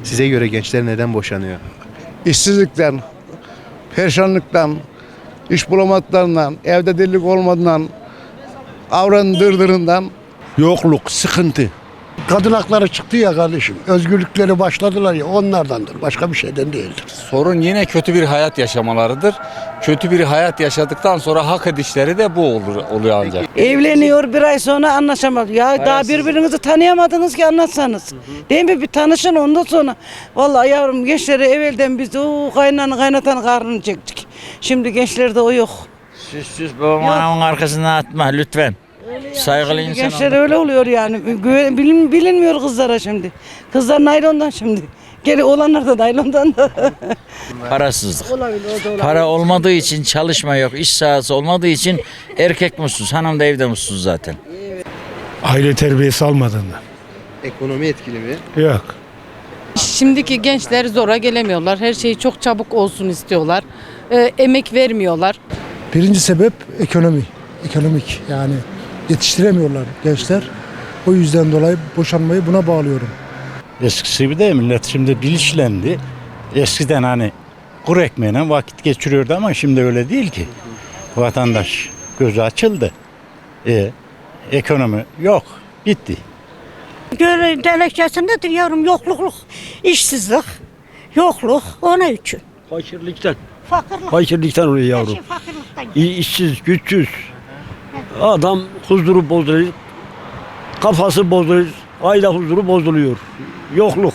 Size göre gençler neden boşanıyor? İşsizlikten, perişanlıktan, iş bulamadıklarından, evde delilik olmadığından, avranın dırdırından. Yokluk, sıkıntı. Kadın hakları çıktı ya kardeşim. Özgürlükleri başladılar ya, onlardandır. Başka bir şeyden değildir. Sorun yine kötü bir hayat yaşamalarıdır. Kötü bir hayat yaşadıktan sonra hak edişleri de bu oluyor ancak. Evleniyor, bir ay sonra anlaşamadı. Ya daha birbirinizi tanıyamadınız ki anlatsanız. Değil mi? Bir tanışın ondan sonra. Vallahi yavrum, gençleri evvelden biz kaynatan karnını çektik. Şimdi gençlerde o yok. Süs babamın arkasına atma lütfen. Saygılı insan Gençler olun. öyle oluyor yani. Bilinmiyor kızlara şimdi. Kızlar naylondan şimdi. Geri olanlar da naylondan da. Parasızlık. Olabilir, o da olabilir. Para olmadığı için çalışma yok. İş sahası olmadığı için erkek mutsuz. Hanım da evde mutsuz zaten. Aile terbiyesi almadığından. Ekonomi etkili mi? Yok. Şimdiki gençler zora gelemiyorlar. Her şey çok çabuk olsun istiyorlar. Emek vermiyorlar. Birinci sebep ekonomi. Ekonomik yani yetiştiremiyorlar gençler. O yüzden dolayı boşanmayı buna bağlıyorum. Eskisi gibi de millet şimdi bilinçlendi. Eskiden hani kuru ekmeğine vakit geçiriyordu ama şimdi öyle değil ki. Vatandaş gözü açıldı. Ekonomi yok. Bitti. Gerekçesindedir yavrum, yokluk, işsizlik, yokluk ona için. Fakirlikten. Fakirlik. Fakirlikten oluyor yavrum. Fakirlikten. İşsiz, güçsüz. Adam huzuru bozuluyor. Kafası bozuluyor. Aile huzuru bozuluyor. Yokluk.